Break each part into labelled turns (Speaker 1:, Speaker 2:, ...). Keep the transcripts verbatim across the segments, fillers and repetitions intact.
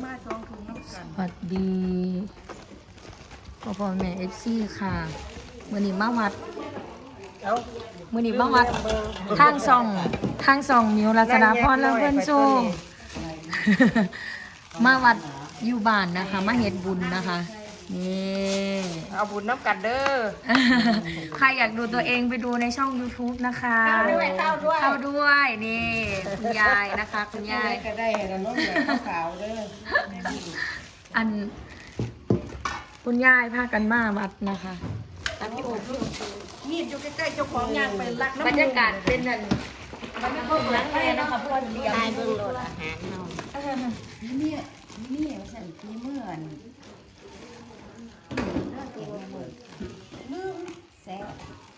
Speaker 1: มาสองถุงน้ำกัน
Speaker 2: สวัสดีพ่อพ่อแม่เอฟซีค่ะมือนี้มาวัด
Speaker 1: เอา
Speaker 2: มือนี้มาวัดทางซองทางซองมิวรัศดาพรและเพื่อนโชว์มาวัดอยู่บ้านนะคะ มาเฮ็ดบุญนะคะนี่
Speaker 1: เอาบุญน้ำกันเด้อ
Speaker 2: ใครอยากดูตัวเองไปดูในช่อง ยูทูบ นะคะ
Speaker 1: เข้าด้วยเข้าด้วย
Speaker 2: เข้าด้วยนี่คุณยายนะคะคุณยาย
Speaker 1: ก็ได้แล้วน้องเหลือขาวเด้อ
Speaker 2: อันคุณยายพากันมาวัดนะคะตามพี่โอ๊ค
Speaker 1: มีดอยู่ใกล้ๆเจ้าของงานไปรักน้ำ
Speaker 2: บรรยากาศเป็นนั่นมันไม่ค่อยเหมือนเลยนะคะเพราะว่าเตรียม
Speaker 3: ตายเบิ่งโลดอาหารเฮา
Speaker 4: นี่นี่ว่าสั่นที่เมื่อนลืมแซ่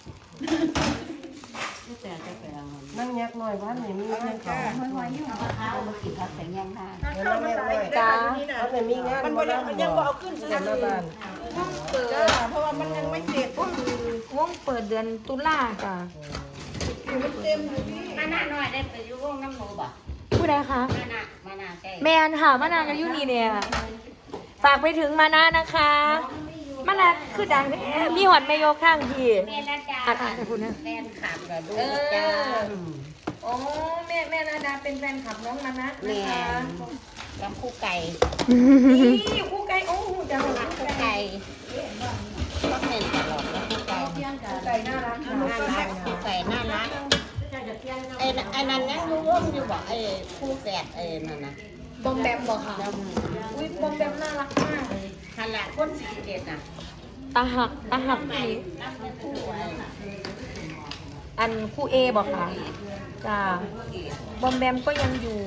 Speaker 4: แต่จะไปเอา
Speaker 1: นั่งยักหน่อยว่าไหนมีงานเขา
Speaker 4: ห้อยห้อยอยู่ข้าวมากินข้าวแสงยังทาน
Speaker 1: นั่งยักหน่อยจ้าเอาไหนมีงานมันยังมันยังบ่เอาขึ้นเดือนบ้าน
Speaker 2: วงเปิด
Speaker 1: จ้าเพราะว่ามันยังไม่เสร็จ
Speaker 2: วงวงเปิดเดือนตุลาจ้ะ
Speaker 1: มันเต็มอยู่นี่
Speaker 3: มาหน้าน้อยได้ไปอยู่วงน้ำหนูบ่
Speaker 2: ผู้ใดคะ
Speaker 3: มาหน้ามาหน้าใกล้
Speaker 2: แมนค่ะมานานกันอยู่นี่เนี่ยฝากไปถึงมานานะคะมานาคือดังแท้มีหอดแม่โยกข้างพี่
Speaker 3: แม่ละจ้า
Speaker 2: อ่านอ่านให้คุณนะ
Speaker 3: แฟนขับก็ดูจ้า
Speaker 2: โอ้แม่แม่นาดาเป็นแฟนคลับน้องมานะ
Speaker 3: แม่ลำคู่ไก่
Speaker 2: นี่คู่ไก่โอ้จะหอ
Speaker 3: ลำ
Speaker 2: ด
Speaker 3: คู่ไก่ก็เห็นตลอดลำคู่ไก่
Speaker 2: คู่ไก่น่ารัก
Speaker 3: น่ารักคู่ไก่น่ารักไอ้ไอ้นั่นยังรู้วงอยู่บ่ไอ้คู่แฝดไอ้นั่นน่ะ
Speaker 2: บอมแบมบอกค่ะอุ้ยบอมแบมน่ารักมาก
Speaker 3: ฮันละคนสีเด็ดน่ะ
Speaker 2: ตาหักตาหัก
Speaker 3: ใหม่
Speaker 2: พี่
Speaker 3: นับเป็นคู่ไอ้
Speaker 2: อันคู่เอบอกค่ะจ้าบอมแบมก็ยังอยู่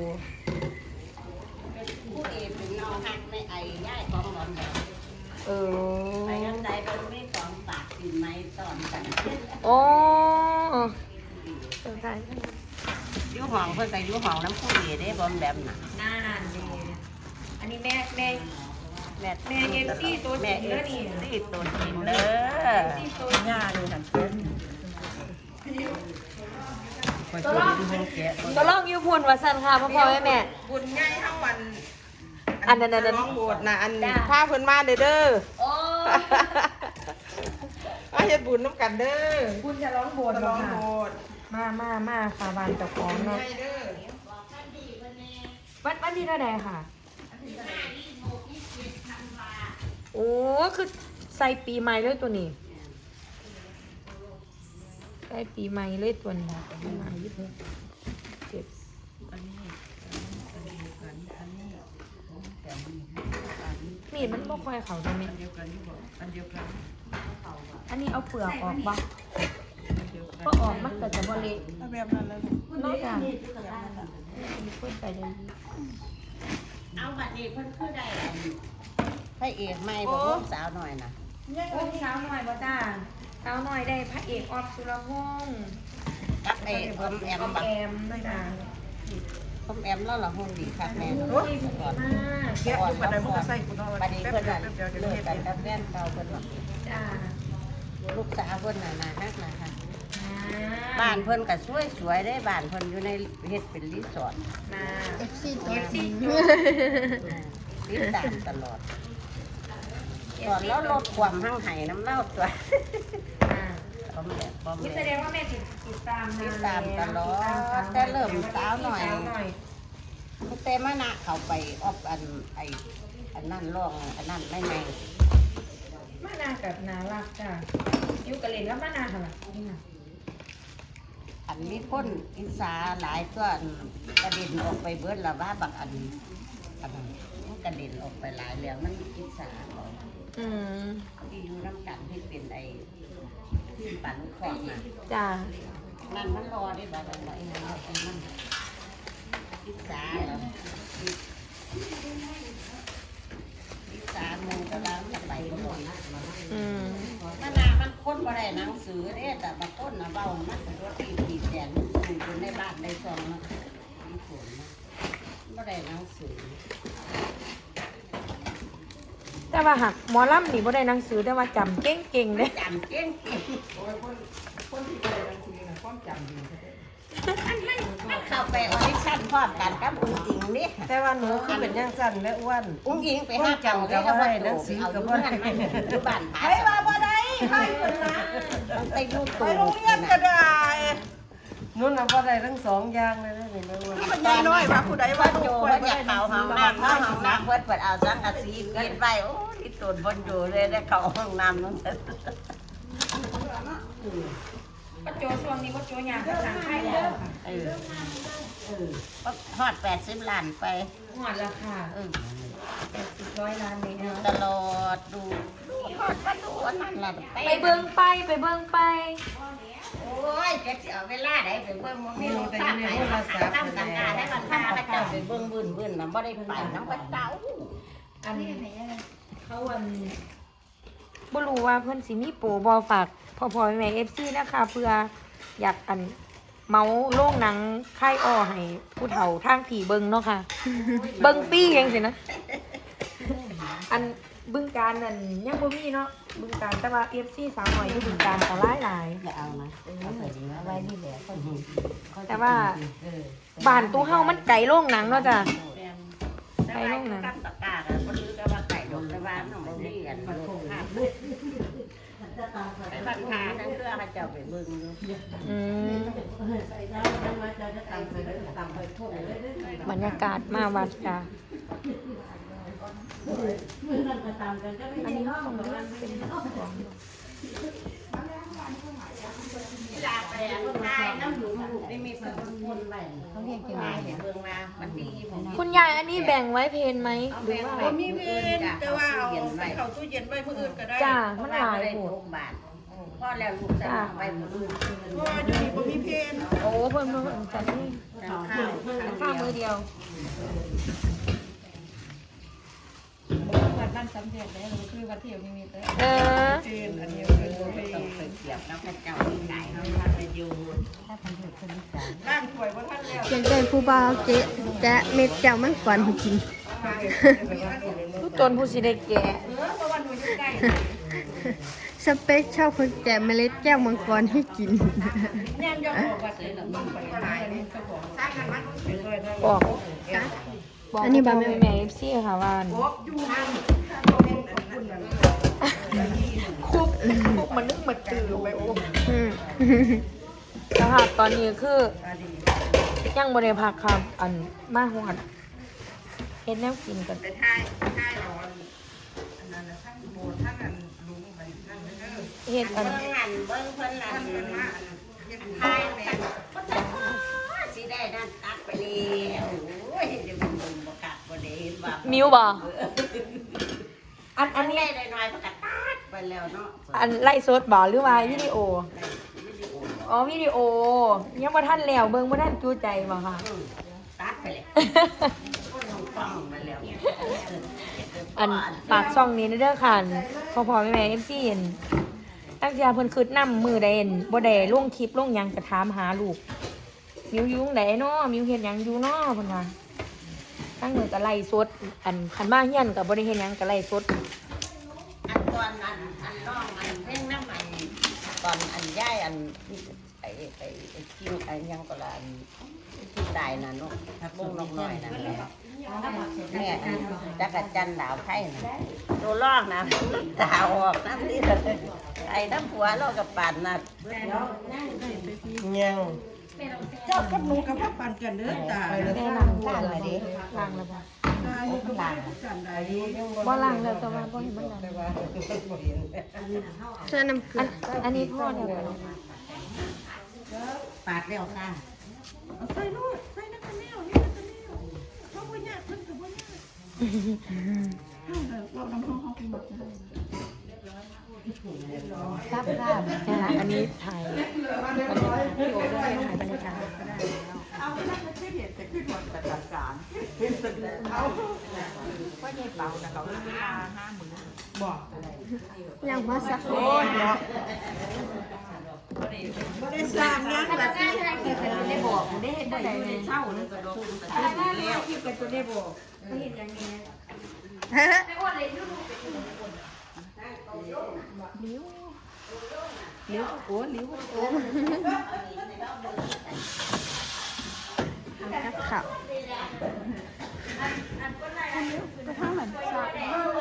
Speaker 3: คู่เอเป็นน้องฮักในไอ้ย่ายของหลอนแบบ
Speaker 2: เอ
Speaker 3: ไป
Speaker 2: อ
Speaker 3: ยังใดมันไม่สองปากกินไม้ตอนกัน
Speaker 2: โอ้เออใช่
Speaker 3: ยูห้องเพิ่นก็ยูห้องน้ำคู่เอได้บอมแบบน่ะ
Speaker 2: น่าดีอันนี้แม่แม่
Speaker 3: แม่
Speaker 2: แม่เอฟซีตัวจริงเด้อนี่
Speaker 3: แม่เอฟซีตัวจริงเด้อ
Speaker 2: ที่ตัว
Speaker 1: หญ้าเลยหันเพิ่นคอยช่วยดูห้องแกะ
Speaker 2: ก็ลองยูพูนว่าสันค่ะพ่อพ่อแม่แม่
Speaker 1: บุญใหญ่ทั้งวัน
Speaker 2: อันนั้นอันนั้น
Speaker 1: ร้องโบสถ์นะอัน
Speaker 2: จ้า
Speaker 1: พาเพิ่นมาเด้อเด้อ
Speaker 2: โอ้
Speaker 1: มาเฮ็ดบุญน้ำกันเด้อ
Speaker 2: คุณจะร้องโบสถ์
Speaker 1: ร้อง
Speaker 2: ค่ะ
Speaker 1: โบสถ์
Speaker 2: มามามาค่ะบานเจ้าของเนาะ
Speaker 1: ใหญ่เด้อ
Speaker 2: วันวันที่เท่าใดค่ะโอ้คือใส่ปีใหม่เลยตัวนี้ใส่ปีใหม่เลยตัวนี้ปีใหม่ยี่สิบเจ็ด
Speaker 1: อันนี้อันเดียวกันอันนี้
Speaker 2: มีดมันบ่ค่อยเข้าได้ไหม
Speaker 1: อันเดียวกันนี่บ่อันเดียวกัน
Speaker 2: อันนี้เอาเปลือกออกบ่
Speaker 1: อันเดียวกัน
Speaker 2: ก็ออกมันก็จะบ่เละ
Speaker 1: ถ้าแบบนั้นแล้ว
Speaker 2: นอกจากมีคนไปได้ดี
Speaker 3: เอาบัดนี้เพิ่นคือได้อันพระเอกใหม่บ่ลูกสาวหน่อยน่ะ
Speaker 2: โอ้สาวหน่อยบ่จ้าสาวหน่อยได้พระเอกออฟสุรพงษ์
Speaker 3: กับไอ้อมแอม
Speaker 2: ออม
Speaker 3: บัก
Speaker 2: แอมจ้า
Speaker 3: อมแอมแล้วล่ะหุ่นดีคักแม่
Speaker 2: โอ้ยดีมาก
Speaker 1: แกะอยู่บัดใดมันก็ใส่กูเนาะ
Speaker 3: บัดนี้
Speaker 1: แป๊บ
Speaker 3: เพิ่น
Speaker 1: เดีย
Speaker 3: น่ะ
Speaker 1: วแป๊บเดียวเดี๋ยว
Speaker 3: เลิก
Speaker 1: เฮ็ด
Speaker 3: กัน
Speaker 1: เอง
Speaker 3: กับแฟนเก่าเพิ่นว่า
Speaker 2: จ้า
Speaker 3: ลูกสาวเพิ่นน่ะน่าฮักน่ะค่ะ
Speaker 2: อ่
Speaker 3: บ้านเพิ่นก็สวยๆได้บ้านเพิ่นอยู่ในเฮ็ดเป็นรีสอร์ท
Speaker 2: มา
Speaker 4: เอฟซี
Speaker 2: เอฟซีจุ
Speaker 3: ติดตามตลอดตอนแล้วลดความหั่งไห้น้ำเล่าตัว
Speaker 2: อ่า
Speaker 3: บอมแบบบอม
Speaker 2: นี่
Speaker 3: แบ
Speaker 2: แสดง
Speaker 3: บ
Speaker 2: ว่าแม่ติดติดตามนน
Speaker 3: ติดตามตลอด
Speaker 2: ติดาม
Speaker 3: แต่เริ่มสาวหน่อย
Speaker 2: สาวหน่อย
Speaker 3: เต้มานะเขาไปออบอันไออันนั่นร่องอันนั่นไม่ไม่
Speaker 2: มานากับนารักจ้าอยู่กับเลนแล้วมานาค่ะล่ะนี่น่ะ
Speaker 3: อันนี้คนอิสาหลายตัวอันกระเด็นออกไปเบิดละว่าบักอันอันนั้นมันกระเด็นออกไปหลายแล้วมันอิสาออก
Speaker 2: อืม
Speaker 3: ที่อยู่น้ำกันที่เป็นไอที่ปั่นขอบน่ะ
Speaker 2: จ้า
Speaker 3: นั่นมันรอได้บ่ได้บ่ไอ้นั่นไอ้นั่นอิสาแล้วอิสาโมงกำลังจะไปหมดนะ
Speaker 2: อืม
Speaker 3: มันนามันค้นบ่ได้หนังสือเด้แต่บางคนน่ะเว้ามันเป็นรถตีตีแดงสู่คนในบ้านในซองนะมีผลนะบ่ได้หนังสือ
Speaker 2: แต่ว่าหักหมอลำนี่บ่ได้หนังสือแต่ว่าจำเก่งๆเลย
Speaker 3: จำเก่งเก่ง
Speaker 1: โอ้ยคนคนที่ไปกลางคืนน่ะความจำดี
Speaker 3: มันมันมันเข้าไปออดิชั่นพร้อมกันกับอุ้งอิงนี่
Speaker 1: แต่ว่าหนูคือเป็นยังสั่นและอ้วน
Speaker 3: อุ้งอิงไปห้าเก่าได้ก็บ่ได้เอาอยู่บ้านมันอยู่บ้านผา
Speaker 1: ไปว่าบ่ได้ไปคนนะ
Speaker 3: ไปลูก
Speaker 1: ไปโรงเรียนก็ได้นุ่นน่ะบ่ได้ทั้งสองอย่างเลยนะนี่แม่อ้วนมันใหญ่น้อยว่าผู้ใดว่า
Speaker 3: โจว่าอยากเข้าห้องน้ำเข้าห้องน้ำเพิ่นเปิดเอาสังกะสีปิดไว้โอ้ที่ตูนบ่อยู่เลยได้เข้าห้องน้ำนั่น
Speaker 2: ก็โจช่วงนี้ก็โจยางกับทางไข่แล้วค่ะ
Speaker 3: เออเออฮอดแปดสิบล้านไป
Speaker 2: หอดราคา
Speaker 3: เออ
Speaker 2: แปดสิบร้อยล้านเลย
Speaker 3: ดู
Speaker 2: นะ
Speaker 3: ตลอดดูฮอดมาดูอันนั่นล่ะ
Speaker 2: ไปเบิ่งไปไปเบิ่งไป
Speaker 3: โอ้ยจะสิเอาเวลาใดไปเบิ่งบ่มีโอกาสไปทำกันงานได้มันทำพระเจ้าไปเบิ่งบึ้นๆน่ะบ่ได้ไปนำพระเจ้า
Speaker 2: อันเขาอันบ่รู้ว่าเพิ่นสิมีโปรบ่ฝากพ่อพ่อแม่ เอฟ ซี นะคะเพื่ออยากอันเมาโรงหนังค่ายอ้อให้ผู้เฒ่าทางผีเบิ่งเนาะค่ะ เบิ่งฟรีจังซี่นะ อันบึงการนั่นยังบ่มีเนาะบึงการแต่ว่า เอฟ ซี สาวน้อยอยู่บึงการก็หลายหลาย
Speaker 3: ไม่เอานะเอาใส่ดีนะไว้นี่แหละ
Speaker 2: แต่ว่าบ้านตู้เฮามันไกลโรงหนังเนาะจ้ะ
Speaker 3: ไปลงนะกันตะกาดบ่รู้แต่ว่าไก่ดอกแต่ว่าน้องบ่มีอันโลกภาพไปบ้านทาทั้งเพื่อให้เจ้าไปเบิ่งอยู่
Speaker 2: อืมบรรยากาศมาวัดจ้ะอันนี้ห้องเป็น
Speaker 3: เวลาไปอ่ะคนไทยน้ำหลุมลูกได้มีคนคนไว้เขาเรียกจังได๋เห็นเบิ่งมามันดีผม
Speaker 2: คุณยายอันนี้แบ่งไว้เพนไหมหรือว่า
Speaker 1: บ่มีเพนแต่ว่าเอาไปเข้าตู้เย็นไว้มื้ออื่นก็ได้
Speaker 2: จ้ามันหลาย
Speaker 3: ได้
Speaker 2: โห
Speaker 3: ห
Speaker 2: ด
Speaker 3: กบาทพ่อแล้วลูกจะไปมื้ออื่น
Speaker 1: เพราะว่าอยู่นี่บ่มีเพน
Speaker 2: โอ้เพิ่มเพิ่มจัดนี่
Speaker 3: ข้าว
Speaker 2: ข้าวมือเดียว
Speaker 4: วัดบ้านสำเร็จแล้วคือวัดเที่ยวนิมิตเลย
Speaker 2: เออ
Speaker 1: เพนอันนี้คือบ่มี
Speaker 3: ต้องไปเสียบกับพระเจ้าที่ไหนเนาะถ้าไปอยู่ถ้าพันธุ์คนอีสาน
Speaker 1: ร่างถวยบ่ทันแล้ว
Speaker 5: อยากได้ผู้บ่าวเจ๊แจ๊ะเม็ดแจ่วมันก่อนให้กิน
Speaker 2: ผู้จนผู้สิได้แก่
Speaker 5: สเปคชอบคนแก่เมล็ดแก้วมังกรให้กิน
Speaker 1: ย่ามยอมบอกว่าสิมึงไปขายนี่เจ้าของสร้างกันมันไปช่วยทาง
Speaker 2: บอกบอก
Speaker 5: อันนี้บา
Speaker 2: บ
Speaker 5: แม่
Speaker 2: แม่แม่เอฟซีค่ะว่า
Speaker 1: บอกอยู่นั่นตัวเองขอบคุณนั่น
Speaker 2: คุบคุบมันนึกมันตื่นไปโอ้
Speaker 5: อืม
Speaker 2: สภาพตอนนี้คือยังบ่ได้พักครับอันมาหอดเฮ็ดแนวกินกัน
Speaker 1: ไปถ่ายถ่ายเอาอันนั้นน่ะทั้งโบสถ์ทั้งอันลุงมันนั่นเด้อ
Speaker 2: เฮ็ดอัน
Speaker 3: เบิ่งหันเบิ่งเพิ่นนั่น
Speaker 1: ท่าน
Speaker 3: เพิ่
Speaker 1: เป็น น
Speaker 3: ว่า
Speaker 1: ว่าเฮ็ด
Speaker 3: ทายแม่สิได้นั่นตักไปแล้วโอ้ยเดี๋ยวมันเบิ่งบ่กัดบ่ได้เห็นว่า
Speaker 2: มิวบ่อัน
Speaker 3: อั
Speaker 2: อั
Speaker 3: น
Speaker 2: น
Speaker 3: นี้
Speaker 2: นี้
Speaker 3: ได้น้อยๆก็ตัดไปแล้วเนาะ
Speaker 2: อันไล่สดบ่หรือว่าวิดีโอ อ๋อวิดีโอ ยังบ่ทันแล้วเบิ่งบ่ทันจูใจบ่ค่ะ
Speaker 3: ตัดไปแล้วฟังมาแล้ว
Speaker 2: อันปากช่องนี้เด้อค่ะพอพอแม่แม่ เอฟ ซี เห็นตั้งแต่เพิ่นคิดนำมือใดเห็นบ่ได้ลงคลิปลงหยังก็ถามหาลูกมิวอยู่ตรงใดเนาะมิวเฮ็ดหยังอยู่เนาะเพิ่นว่าตั้งมือก็ไล่สดอันคันมาเฮียนก็บ่ได้เฮ็ดหยังก็ไล่สด
Speaker 3: อันตอนอันอันน้องอันเพ่งน้ำมันตอนอันย่ายอันไอ้ไอ้ไอ้กินไอ้ยังก็ละอันกินได้น่ะเนาะบุ้งนกน้อยน่ะแม่จักรจันดาวไผ่น่ะตัวลอกนะดาวออกน้ำนี่ไอ้น้ำผัวเรากับปั่นน่ะ
Speaker 1: ยังเจ้ากับหนูกับพ่อปันกันเด้อตา
Speaker 2: แม่ล้างล้างเลยดิล้างแล้วบ่
Speaker 1: ตาอยู่กับกันได้ดี
Speaker 2: บ่ล้างแล้วแต่ว่าบ่เห็นมันล้าง
Speaker 5: เสื้อน้ำเกลื
Speaker 2: อั
Speaker 5: อน
Speaker 2: อันนี้พ่อเดียวกัน
Speaker 3: ปาดแล้วค่ะ
Speaker 1: เอาใส่ลูกใส่นักแนวนี่นักแนวเขาบ่ยากเพิ่นก็บ่ยากเฮาเรานำเฮาเฮาเป็นหมดจ้ะ
Speaker 2: ครับครับนะคะอันนี้ถ่ายบรรยากาศพี่โอ๊ตด้วยถ่ายบรรยากาศก็ได้
Speaker 1: เอาไปนั่งไม่เห็นแต่ขึ้นหมดแต่จัดการเป็นสุดเอาว่าใหญ่เบานะเขาราคาห้าหมื่นบอก
Speaker 5: ยังว่าสัก
Speaker 1: โอ้ยเนาะบ่ได้สร้างยังละที่
Speaker 2: ได้บอกได้เห็นได้ไหน
Speaker 3: เช่าเลยก็โดน
Speaker 2: ได้ได้ได้คิดกันตัวได้บอกไม่เห็นอย่างนี้
Speaker 5: เฮ้ย
Speaker 2: ไม่อ้วนเลยลูกลิ้วลิ้วโอ้ลิ้วโอ้
Speaker 5: นักข่าว
Speaker 1: ไปทางไหนสาก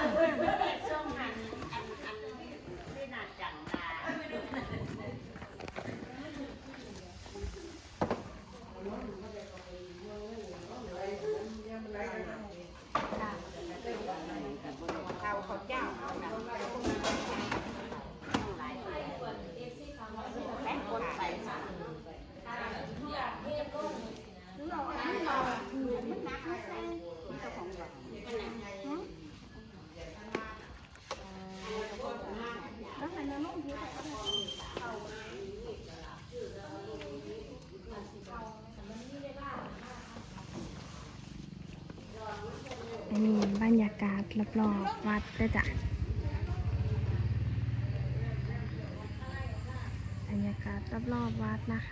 Speaker 3: ข้าวข้าวเจ้าแป้งคนใส่สาร
Speaker 5: อันนี้บรรยากาศรอบๆวัดด้วยจ้ะบรรยากาศรอบๆวัดนะคะ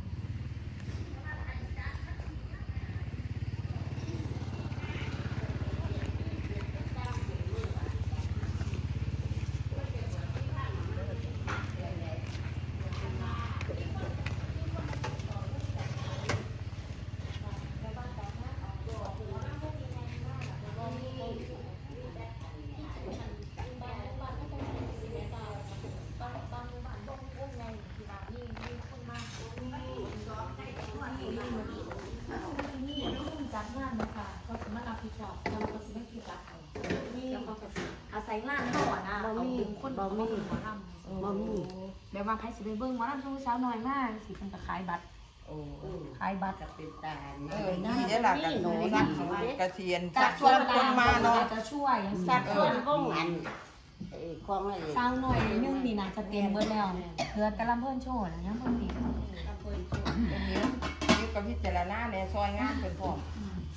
Speaker 2: จัดงานนะคะเขาจะมารับผิดชอบเราก็จะไม่ผิดรับเขาแล้วเขาก็อาศัยงานเขาอ่ะนะเอาดึงคนมาเบิ่งหมอลำบ่มีแบบว่าใครสิไปเบิ่งหมอลำช่วงเช้าน้อยมากสิเพิ่นก็ขายบัตร
Speaker 3: โอ้
Speaker 2: ขายบัตร
Speaker 3: จะเป็นตา
Speaker 6: เออนี่ได้หลักกันหนูสักกระเทียน
Speaker 2: จั
Speaker 6: สั
Speaker 2: ด
Speaker 6: ก
Speaker 2: ช่
Speaker 6: ช่
Speaker 2: ว
Speaker 6: วย ยคนมาเนาะ
Speaker 2: จะช่วยอย่าง
Speaker 3: สั
Speaker 2: สั
Speaker 3: ต
Speaker 2: ต
Speaker 3: ว์
Speaker 2: ว์
Speaker 3: คนวงอันไอ้ของอะไร
Speaker 2: เช้าหน่อยนึงนี่นะจะเต็มเบิดแล้วเหลือแต่ลำเพิ่นโชว์นะยังเพิ่นติด
Speaker 6: อันนี้นี่ก็พิจารณาในซอยงานเป็นพร้อม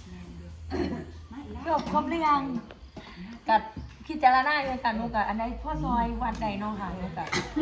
Speaker 2: จบครบหรือยังกับพิจารณาอยู่กันหนูกับอันใดพ่อซอยวัดใดเน้องค่ะหนูกับ